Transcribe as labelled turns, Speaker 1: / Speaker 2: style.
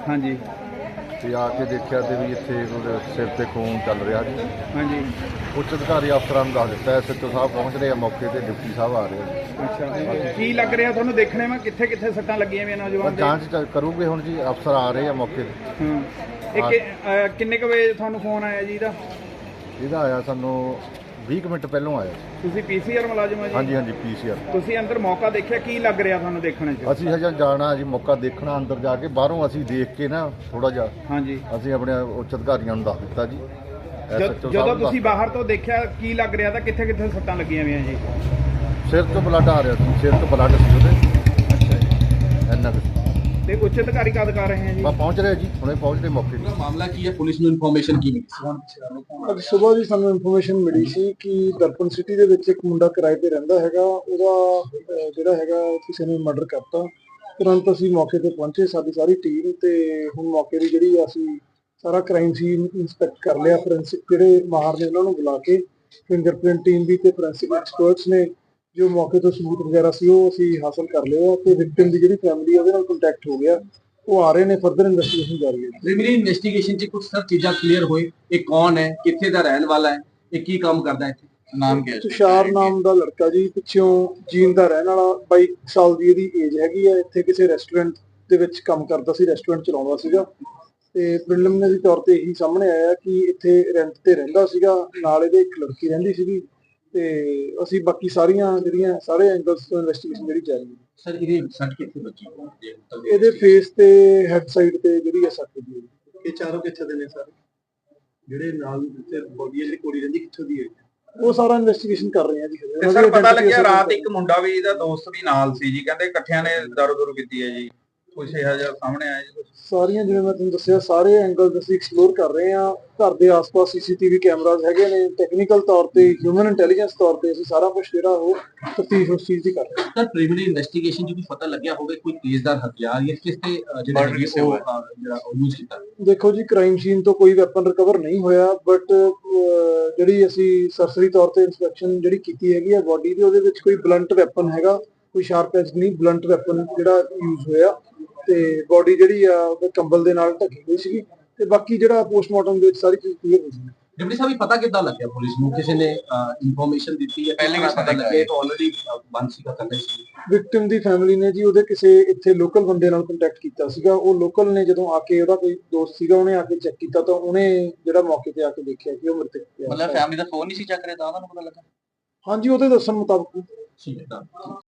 Speaker 1: हाँ जी
Speaker 2: ਤੇ ਆ ਕੇ ਦੇਖਿਆ ਤੇ ਵੀ ਇੱਥੇ ਉਹਦੇ ਸਿਰ ਤੇ ਖੂਨ ਚੱਲ ਰਿਹਾ ਜੀ।
Speaker 1: हाँ जी।
Speaker 2: ਉੱਚ ਅਧਿਕਾਰੀ ਅਫਸਰਾਂ ਨੂੰ ਦੱਸ ਦਿੱਤਾ, ਐਸਐਚਓ ਸਾਹਿਬ ਪਹੁੰਚ ਰਹੇ ਆ ਮੌਕੇ ਤੇ, ਡਿਪਟੀ ਸਾਹਿਬ ਆ ਰਹੇ ਆ।
Speaker 1: अच्छा की लग रहा ਤੁਹਾਨੂੰ ਦੇਖਣੇ में ਕਿੱਥੇ ਕਿੱਥੇ ਸੱਟਾਂ ਲੱਗੀਆਂ ਵੀ ਨੌਜਵਾਨ ਦੇ?
Speaker 2: ਜਾਂਚ ਕਰੂਗੇ ਹੁਣ ਜੀ, ਅਫਸਰ ਆ ਰਹੇ ਆ ਮੌਕੇ ਤੇ।
Speaker 1: ਹਾਂ ਇਹ ਕਿੰਨੇ ਕੁ ਵਜੇ ਤੁਹਾਨੂੰ ਫੋਨ ਆਇਆ ਜੀ ਇਹਦਾ?
Speaker 2: ਇਹਦਾ ਆਇਆ ਸਾਨੂੰ 20 ਕੁ ਮਿੰਟ ਪਹਿਲਾਂ ਆਇਆ।
Speaker 1: ਤੁਸੀਂ ਪੀਸੀਆਰ ਮੁਲਾਜ਼ਮ ਹੋ ਜੀ?
Speaker 2: ਹਾਂਜੀ ਹਾਂਜੀ ਪੀਸੀਆਰ।
Speaker 1: ਤੁਸੀਂ ਅੰਦਰ ਮੌਕਾ ਦੇਖਿਆ, ਕੀ ਲੱਗ ਰਿਹਾ ਤੁਹਾਨੂੰ ਦੇਖਣ 'ਚ?
Speaker 2: ਅਸੀਂ ਹਜੇ ਜਾਣਾ ਜੀ, ਮੌਕਾ ਦੇਖਣਾ ਅੰਦਰ ਜਾ ਕੇ, ਬਾਹਰੋਂ ਅਸੀਂ ਦੇਖ ਕੇ ਨਾ ਥੋੜਾ ਜਿਹਾ
Speaker 1: ਹਾਂਜੀ
Speaker 2: ਅਸੀਂ ਆਪਣੇ ਉੱਚ ਅਧਿਕਾਰੀਆਂ ਨੂੰ ਦੱਸ ਦਿੱਤਾ ਜੀ।
Speaker 1: ਜਦੋਂ ਤੁਸੀਂ ਬਾਹਰ ਤੋਂ ਦੇਖਿਆ ਕੀ ਲੱਗ ਰਿਹਾ ਤਾਂ ਕਿੱਥੇ ਕਿੱਥੇ ਸੱਟਾਂ ਲੱਗੀਆਂ ਹੋਈਆਂ ਜੀ?
Speaker 2: ਸਿਰ ਤੋਂ ਬਲੱਡ ਆ ਰਿਹਾ ਸੀ, ਸਿਰ ਤੋਂ ਬਲੱਡ ਸੀ ਉਹਦੇ।
Speaker 1: ਅੱਛਾ ਜੀ।
Speaker 2: ਇੰਨਾ ਕੁ।
Speaker 1: ਤੇ ਉੱਚ ਅਧਿਕਾਰੀ ਕਦ ਕਰ ਰਹੇ ਹੈ ਜੀ?
Speaker 2: ਬਸ ਪਹੁੰਚ ਰਹੇ ਜੀ, ਹੁਣੇ ਪਹੁੰਚ ਰਹੇ ਮੌਕੇ ਤੇ।
Speaker 3: ਮਾਮਲਾ ਕੀ ਹੈ, ਪੁਲਿਸ ਨੂੰ ਇਨਫੋਰਮੇਸ਼ਨ ਕੀ ਮਿਲੀ?
Speaker 4: ਅੱਜ ਸਵੇਰ ਜੀ ਸਾਨੂੰ ਇਨਫੋਰਮੇਸ਼ਨ ਮਿਲੀ ਸੀ ਕਿ ਦਰਪਨ ਸਿਟੀ ਦੇ ਵਿੱਚ ਇੱਕ ਮੁੰਡਾ ਕਿਰਾਏ ਤੇ ਰਹਿੰਦਾ ਹੈਗਾ, ਉਹਦਾ ਜਿਹੜਾ ਹੈਗਾ ਕਿਸੇ ਨੇ ਮਰਡਰ ਕਰਤਾ। ਤੁਰੰਤ ਅਸੀਂ ਮੌਕੇ ਤੇ ਪਹੁੰਚੇ, ਸਾਡੀ ਸਾਰੀ ਟੀਮ, ਤੇ ਹੁਣ ਮੌਕੇ ਦੀ ਜਿਹੜੀ ਅਸੀਂ ਸਾਰਾ ਕ੍ਰਾਈਮ ਸੀਨ ਇੰਸਪੈਕਟ ਕਰ ਲਿਆ। ਫੋਰੈਂਸਿਕ ਜਿਹੜੇ ਮਾਹਰ ਨੇ ਉਹਨਾਂ ਨੂੰ ਬੁਲਾ ਕੇ, ਫਿੰਗਰਪ੍ਰਿੰਟ ਟੀਮ ਵੀ ਤੇ ਫੋਰੈਂਸਿਕ ਐਕਸਪਰਟਸ ਨੇ, ਜੋ ਮੌਕੇ ਤੋਂ ਸਬੂਤ ਵਗੈਰਾ ਸੀ ਉਹ ਅਸੀਂ ਹਾਸਲ ਕਰ ਲਿਆ, ਤੇ ਵਿਕਟਿਮ ਦੀ ਜਿਹੜੀ ਫੈਮਿਲੀ ਹੈ ਉਹਦੇ ਨਾਲ ਕੰਟੈਕਟ ਹੋ ਗਿਆ, ਉਹ ਆ ਰਹੇ ਨੇ। ਫਰਦਰ ਇਨਵੈਸਟੀਗੇਸ਼ਨ ਜਾਰੀ ਹੈ।
Speaker 3: ਪ੍ਰੀਲਿਮਿਨਰੀ ਇਨਵੈਸਟੀਗੇਸ਼ਨ 'ਚ ਕੁਝ ਸਰ ਚੀਜ਼ਾਂ ਕਲੀਅਰ ਹੋਏ, ਇਹ ਕੌਣ ਹੈ, ਕਿੱਥੇ ਦਾ ਰਹਿਣ ਵਾਲਾ ਹੈ, ਇਹ ਕੀ ਕੰਮ ਕਰਦਾ ਹੈ, ਇੱਥੇ ਨਾਮ ਕੀ ਹੈ?
Speaker 4: ਤੁਸ਼ਾਰ ਨਾਮ ਦਾ ਲੜਕਾ ਜੀ, ਪਿੱਛੋਂ ਜੀਂਦ ਦਾ ਰਹਿਣ ਵਾਲਾ, 22 ਸਾਲ ਦੀ ਇਹਦੀ ਏਜ ਹੈਗੀ ਆ। ਇੱਥੇ ਕਿਸੇ ਰੈਸਟੋਰੈਂਟ ਦੇ ਵਿੱਚ ਕੰਮ ਕਰਦਾ ਸੀ, ਰੈਸਟੋਰੈਂਟ ਚਲਾਉਂਦਾ ਸੀਗਾ, ਤੇ ਪ੍ਰੀਲਿਮਿਨਰੀ ਤੌਰ ਤੇ ਇਹੀ ਸਾਹਮਣੇ ਆਇਆ ਕਿ ਇੱਥੇ ਰੈਂਟ ਤੇ ਰਹਿੰਦਾ ਸੀਗਾ, ਨਾਲ ਇਹਦੇ ਇੱਕ ਲੜਕੀ ਰਹਿੰਦੀ ਸੀਗੀ। ਤੇ ਅਸੀਂ ਬਾਕੀ ਸਾਰੀਆਂ ਜਿਹੜੀਆਂ ਸਾਰੇ ਐਂਗਲਸ ਤੋਂ ਇਨਵੈਸਟੀਗੇਸ਼ਨ ਜਿਹੜੀ ਜਾਰੀ ਹੈ।
Speaker 3: ਸਰ ਇਹਦੀ ਸੱਟ ਕਿੱਥੇ ਵੱਜੀ?
Speaker 4: ਇਹਦੇ ਫੇਸ ਤੇ ਹੈਡ ਸਾਈਡ ਤੇ ਜਿਹੜੀ ਹੈ ਸੱਟ ਦੀ।
Speaker 5: ਇਹ ਚਾਰੋਂ ਕਿੱਥੇ ਦੇ ਨੇ ਸਰ? ਜਿਹੜੇ ਨਾਲ ਬੋਡੀ ਜਿਹੜੀ ਕੋੜੀ ਰਹਿੰਦੀ ਕਿੱਥੋਂ ਦੀ ਹੈ?
Speaker 4: ਉਹ ਸਾਰਾ ਇਨਵੈਸਟੀਗੇਸ਼ਨ ਕਰ ਰਹੇ ਆ ਜੀ।
Speaker 6: ਤੇ ਸਰ ਪਤਾ ਲੱਗਿਆ ਰਾਤ ਇੱਕ ਮੁੰਡਾ ਵੀ ਇਹਦਾ ਦੋਸਤ ਵੀ ਨਾਲ ਸੀ ਜੀ, ਕਹਿੰਦੇ ਇਕੱਠਿਆਂ ਨੇ ਦਾਰੂ ਕੀਤੀ ਹੈ ਜੀ, ਕੁਛ ਇਹੋ ਜਿਹਾ ਸਾਹਮਣੇ ਆਇਆ ਜੀ?
Speaker 4: ਸਾਰੀਆਂ ਜਿਵੇਂ ਮੈਂ ਤੁਹਾਨੂੰ ਦੱਸਿਆ, ਸਾਰੇ ਐਂਗਲ ਅਸੀਂ ਐਕਸਪਲੋਰ ਕਰ ਰਹੇ ਹਾਂ। ਘਰ ਦੇ ਆਸ-ਪਾਸ ਸੀਸੀਟੀਵੀ ਕੈਮਰਾਜ਼ ਹੈਗੇ ਨੇ, ਟੈਕਨੀਕਲ ਤੌਰ ਤੇ, ਹਿਊਮਨ ਇੰਟੈਲੀਜੈਂਸ ਤੌਰ ਤੇ ਅਸੀਂ ਸਾਰਾ ਕੁਝ ਜਿਹੜਾ ਉਹ ਤਫਤੀਸ਼ ਉਸ ਚੀਜ਼ ਦੀ ਕਰ ਰਹੇ ਹਾਂ।
Speaker 3: ਸਰ ਪ੍ਰੀਲਿਮਿਨਰੀ ਇਨਵੈਸਟੀਗੇਸ਼ਨ 'ਚ ਵੀ ਪਤਾ ਲੱਗਿਆ ਹੋਵੇ ਕੋਈ ਤੇਜ਼ਧਾਰ ਹਥਿਆਰ ਜਾਂ ਕਿਸ ਤੇ ਜਿਹੜਾ ਯੂਜ਼ ਕੀਤਾ?
Speaker 4: ਦੇਖੋ ਜੀ, ਕ੍ਰਾਈਮ ਸੀਨ ਤੋਂ ਕੋਈ ਵੈਪਨ ਰਿਕਵਰ ਨਹੀਂ ਹੋਇਆ, ਬਟ ਜਿਹੜੀ ਅਸੀਂ ਸਰਸਰੀ ਤੌਰ ਤੇ ਇਨਸਪੈਕਸ਼ਨ ਜਿਹੜੀ ਕੀਤੀ ਹੈਗੀ ਆ ਬੋਡੀ ਦੀ, ਉਹਦੇ ਵਿੱਚ ਕੋਈ ਬਲੰਟ ਵੈਪਨ ਹੈਗਾ, ਕੋਈ ਸ਼ਾਰਪ ਐਜ ਨਹੀਂ, ਬਲੰਟ ਵੈਪਨ ਜਿਹੜਾ ਯੂਜ਼ ਹੋਇਆ। ਤੇ ਬੋਡੀ ਜਿਹੜੀ ਆ ਉਹ ਕੰਬਲ ਦੇ ਨਾਲ ਢੱਕੀ ਹੋਈ ਸੀਗੀ, ਤੇ ਬਾਕੀ ਜਿਹੜਾ ਪੋਸਟਮਾਰਟਮ ਦੇ ਵਿੱਚ ਸਾਰੀ ਚੀਜ਼ ਕਲੀਅਰ ਹੋ ਗਈ।
Speaker 3: ਡਿਪਟੀ ਸਾਹਿਬ ਪਤਾ ਕਿੱਦਾਂ ਲੱਗਿਆ ਪੁਲਿਸ ਨੂੰ? ਕਿਸੇ ਨੇ ਇਨਫੋਰਮੇਸ਼ਨ ਦਿੱਤੀ ਹੈ? ਪਹਿਲੇ ਵੀ ਪਤਾ ਲੱਗਿਆ ਤਾਂ ਆਲਰੇਡੀ ਬੰਦ ਸੀਗਾ ਕਰਦੇ ਸੀ।
Speaker 4: ਵਿਕਟਿਮ ਦੀ ਫੈਮਿਲੀ ਨੇ ਜੀ ਉਹਦੇ ਕਿਸੇ ਇੱਥੇ ਲੋਕਲ ਬੰਦੇ ਨਾਲ ਕੰਟੈਕਟ ਕੀਤਾ ਸੀਗਾ। ਉਹ ਲੋਕਲ ਨੇ ਜਦੋਂ ਆ ਕੇ, ਉਹਦਾ ਕੋਈ ਦੋਸਤ ਸੀਗਾ, ਉਹਨੇ ਆ ਕੇ ਚੈੱਕ ਕੀਤਾ ਤਾਂ ਉਹਨੇ ਜਿਹੜਾ ਮੌਕੇ ਤੇ ਆ ਕੇ ਦੇਖਿਆ ਕਿ ਉਹ ਮ੍ਰਿਤਕ ਹੈ।
Speaker 3: ਮਤਲਬ ਫੈਮਿਲੀ ਦਾ ਫੋਨ ਨਹੀਂ ਸੀ ਚੱਕ ਰਿਹਾ ਤਾਂ ਉਹਨਾਂ ਨੂੰ ਪਤਾ ਲੱਗਾ?
Speaker 4: ਹਾਂਜੀ, ਉਹਦੇ ਦੱਸਣ ਮੁਤਾਬਕ।
Speaker 3: ਠੀਕ ਹੈ।